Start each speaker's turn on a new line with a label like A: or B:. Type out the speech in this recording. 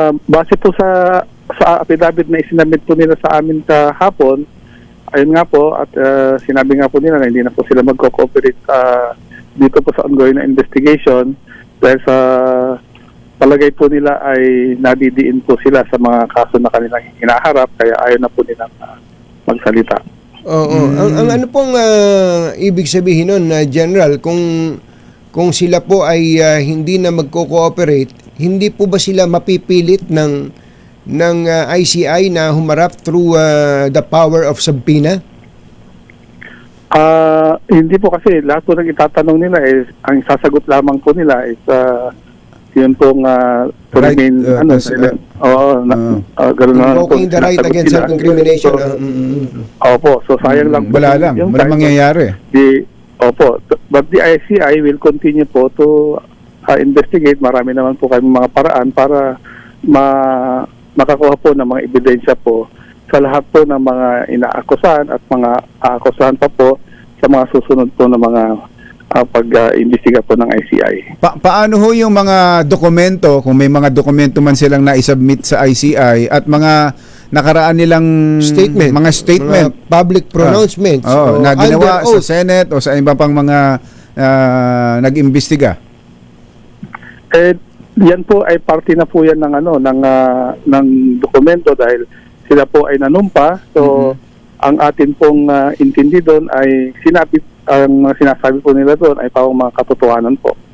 A: Base po sa affidavit na isinabit po nila sa amin kahapon, ayun nga po, at sinabi nga po nila na hindi na po sila magko-cooperate dito po sa ongoing na investigation dahil sa palagay po nila ay nadidiin po sila sa mga kaso na kanilang hinaharap, kaya ayaw na po nilang magsalita.
B: Oo. Ang ano pong ibig sabihin nun, General, kung sila po ay hindi na magko-cooperate, hindi po ba sila mapipilit ng ICI na humarap through the power of subpoena?
A: Hindi po, kasi lahat po ng itatanong nila is, ang sasagot lamang po nila is yun pong to
C: right,
A: remain gano'n na po.
B: Invoking the right against self-incrimination.
A: Opo, so sayang lang po.
C: Wala lang, walang mangyayari.
A: But the ICI will continue po to investigate. Marami naman po kami mga paraan para makakuha po ng mga ebidensya po sa lahat po ng mga inaakusahan at mga aakusahan pa po sa mga susunod po na mga pag-imbestiga po ng ICI.
C: Paano ho yung mga dokumento, kung may mga dokumento man silang na-submit sa ICI at mga nakaraan nilang mga statement,
B: mga public pronouncements
C: na ginawa sa Senate o sa iba pang mga nag-imbestiga?
A: Yan po ay parte na po yan ng dokumento dahil sila po ay nanumpa. So ang atin pong intindi doon ay ang sinasabi po nila doon ay pawang mga katotohanan po.